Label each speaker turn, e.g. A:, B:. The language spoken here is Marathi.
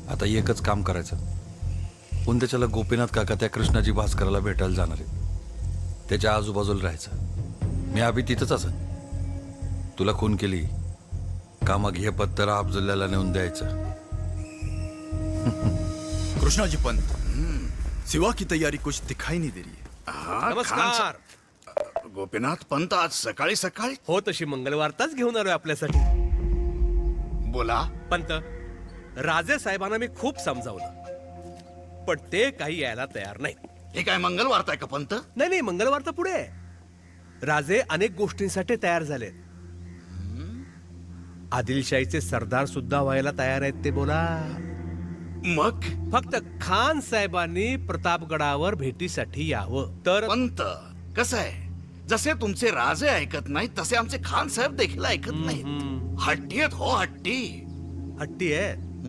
A: आता एकच काम करायचं, उंद्याच्याला गोपीनाथ काका त्या कृष्णाजी भास्कराला भेटायला जाणार आहे. त्याच्या आजूबाजूला राहायचं. मी अभि तिथंच असत. तुला खून केली कामा घे पत्तर अफजुल्ल्याला नेऊन द्यायचं.
B: कृष्णाजी पंत, सिवा की तैयारी कुछ दिखाई नहीं दे रही है.
C: नमस्कार.
D: गोपीनाथ पंत आज सकाळी सकाळी
C: हो, तशी मंगळवारताच घेऊन आलोय आपल्यासाठी.
D: बोला.
C: पंत, राजे साहेबांना मी खूप समजावलं, पण ते काही यायला तयार नाही.
D: हे काय मंगळवार आहे का पंत?
C: नाही, मंगळवार तर पुढे आहे. राजे अनेक गोष्टींसाठी तयार झाले. आदिलशाहीचे सरदार सुद्धा व्हायला तयार आहेत ते. बोला.
D: मग
C: फक्त खान साहेबांनी प्रतापगडावर भेटीसाठी यावं तर.
D: पंत कसं आहे, जसे तुमचे राजे ऐकत नाहीत तसे आमचे खान साहेब देखील ऐकत नाहीत. हट्टी आहेत हो, हट्टी.
C: हट्टी आहे.